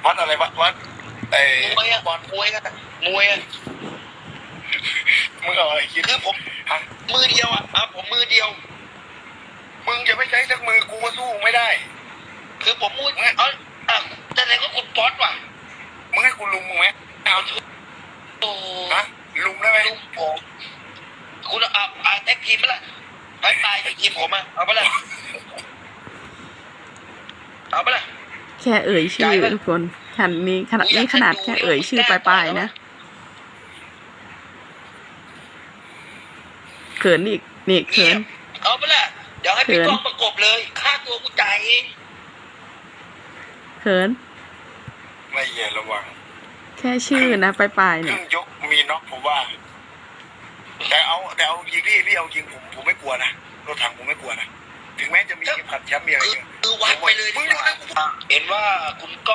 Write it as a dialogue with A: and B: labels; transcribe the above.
A: วัดอะไรวัดไอ้
B: มวยอะ
A: บอล
B: มวยอะมวยอะ
A: มึงเอาอะไรคิด
B: คือผม
A: ฮะ
B: มือเดียวอะผมมือเดียว
A: มึงจะไม่ใช้สักมือกูก็สู้ไม่ได้
B: คือผมมือแต่ไหนก็คุณป๊อตว่ะ
A: มึงให้กูลุมมึงไหมเอา
B: โอ้
A: ฮะลุมได้ไหม
B: ลุงผมคุณแท็กทีมไปละไปตายทีมผมอะเอาไปละเอาไปละ
C: แค่เอ่ยชื่อทุกคนขนาดนี้ขนาดแค่เอ่ยชื่อปลายๆนะเขินอีกนี่เขิน
B: เอาไปละเดี๋ยวให้พี่กองประกบเลยค่าตัวกูจ่ายเอง
C: เขิน
A: ไม่เหี้ยระวัง
C: แค่ชื่อนะปลายๆ
A: เค
C: เนี่
A: รื่
C: ย
A: องยกมีน็อกผมว่า แต่เอายิงพี่เอายิงผมไม่กลัวนะรถถังผมไม่กลัวนะถึงแม้จะมีเข็มขัดแชมป์มีอะไรเงี้ย
B: คือวัดไปเลย
A: มึงดูนะ
B: เห็นว่าคุณก็